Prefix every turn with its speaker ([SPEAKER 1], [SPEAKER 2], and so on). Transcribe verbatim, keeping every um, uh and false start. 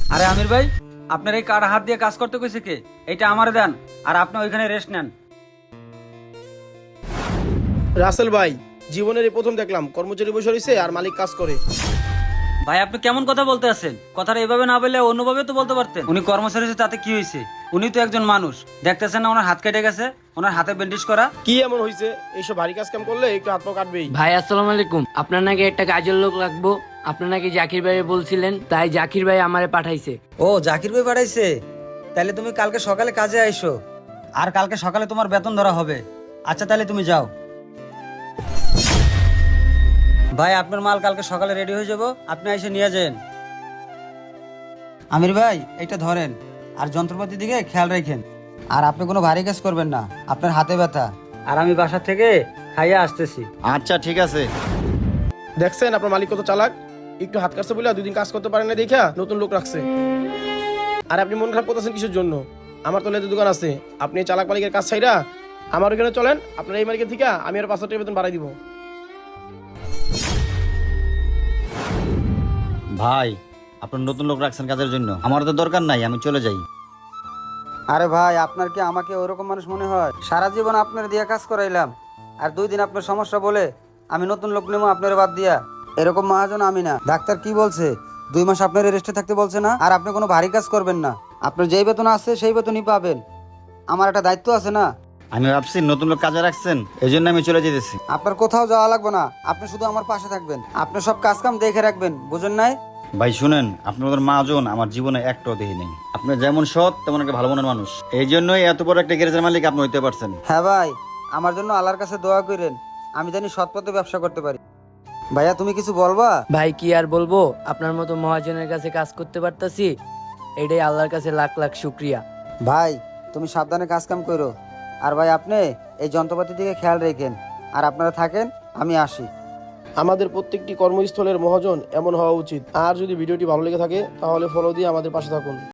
[SPEAKER 1] আরে আমির ভাই, আপনার এই কার হাত দিয়ে কাজ করতে কইছে কে? এটা আমারে দেন, আর আপনি ওইখানে রেস্ট নেন।
[SPEAKER 2] রাসেল ভাই, জীবনের এই প্রথম দেখলাম কর্মচারী বসে রয়েছে আর মালিক কাজ করে।
[SPEAKER 1] ভাই আপনি কেমন কথা বলতে আছেন? কথাটা এভাবে না বললে অন্যভাবে তো বলতে পারতেন। উনি কর্মচারী হয়েছে, তাতে কি হয়েছে? উনি তো একজন মানুষ, দেখতেছেন না ওনার হাত কেটে গেছে, ওনার হাতে ব্যান্ডেজ করা।
[SPEAKER 2] কি এমন হয়েছে? এইসব ভারী কাজ কাম করলে একটু হাত পা কাটবেই।
[SPEAKER 3] ভাই আসসালামু আলাইকুম, আপনার নাকি একটা কাজের লোক লাগবো, আপনার নাকি জাকির ভাই বলছিলেন, তাই জাকির ভাই আমারে পাঠাইছে।
[SPEAKER 1] ও জাকির ভাই পাঠাইছে? তাহলে তুমি কালকে সকালে কাজে আইসো, আর কালকে সকালে তোমার বেতন ধরা হবে। আচ্ছা তাহলে তুমি যাও। ভাই আপনার মাল কালকে সকালে রেডি হয়ে যাব, আপনি এসে নিয়ে যান। আমির ভাই এটা ধরেন, আর যন্ত্রপাতির দিকে খেয়াল রাখেন। আর আপনি কোনো ভারী কাজ করবেন না, আপনার হাতে ব্যথা। আর আমি বাসা থেকে খাইয়ে আসতেছি।
[SPEAKER 4] আচ্ছা ঠিক আছে।
[SPEAKER 2] দেখছেন আপনার মালিক কত চালাক। একটু হাত কাটছে বলে দুই দিন কাজ করতে পারেন না দেখা নতুন লোক রাখছে। আর আপনি মন খারাপ করতেছেন কিসের জন্য? আমার তো লেদের দোকান আছে, আপনি এই চালাক মালিকের কাজ ছাইরা আমার ওখানে চলেন। আপনার এই মালিকের থেকে আমি আর পাঁচ হাজার টাকা বেতন বাড়াই দিব।
[SPEAKER 4] ভাই, আপনার নতুন লোক রাখছেন কাজের জন্য, আমার তো দরকার নাই, আমি চলে যাই।
[SPEAKER 1] আরে ভাই, আপনার কি আমাকে ওরকম মানুষ মনে হয়? সারা জীবন আপনার দিয়ে কাজ করাইলাম, আর দুই দিন আপনার সমস্যা বলে আমি নতুন লোক নেবো আপনার বাদ দিয়া? এরকম মহাজন আমি না। ডাক্তার কি বলছে? দুই মাস আপনার রেস্টে থাকতে বলছে না? আর আপনি কোনো ভারী কাজ করবেন না, আপনার যেই বেতন আছে সেই বেতনই পাবেন। আমার একটা দায়িত্ব আছে না?
[SPEAKER 4] আমি ভাবছি নতুন লোক কাজে রাখছেন, এই জন্য আমি চলে যেতেছি।
[SPEAKER 1] আপনার কোথাও যাওয়া লাগবে না, আপনি শুধু আমার পাশে থাকবেন, আপনি সব কাজ কাম দেখে রাখবেন, বুঝেন নাই?
[SPEAKER 4] ভাই শুনেন, আপনাদের মাজন আমার জীবনে একটাও দেখি নেই। আপনি যেমন সৎ তেমন একটা ভালো মনের মানুষ, এই জন্যই এত বড় একটা গ্যারেজের মালিক আপনি হইতে পারছেন।
[SPEAKER 1] হ্যাঁ ভাই, আমার জন্য আল্লাহর কাছে দোয়া করেন, আমি জানি সৎ পথে ব্যবসা করতে পারি। ভাইয়া তুমি কিছু বলবা?
[SPEAKER 3] ভাই কি আর বলবো, আপনার মতো মহাজনের কাছে কাজ করতে পারতাছি, এটাই আল্লাহর কাছে লাখ লাখ শুক্রিয়া।
[SPEAKER 1] ভাই তুমি সাবধানে কাজ কাম করো, আর ভাই আপনি এই যন্ত্রপাতির দিকে খেয়াল রেখেন, আর আপনারা থাকেন, আমি আসি।
[SPEAKER 2] আমাদের প্রত্যেকটি কর্মস্থলের মহাজন এমন হওয়া উচিত। আর যদি ভিডিওটি ভালো লেগে থাকে তাহলে ফলো দিয়ে আমাদের পাশে থাকুন।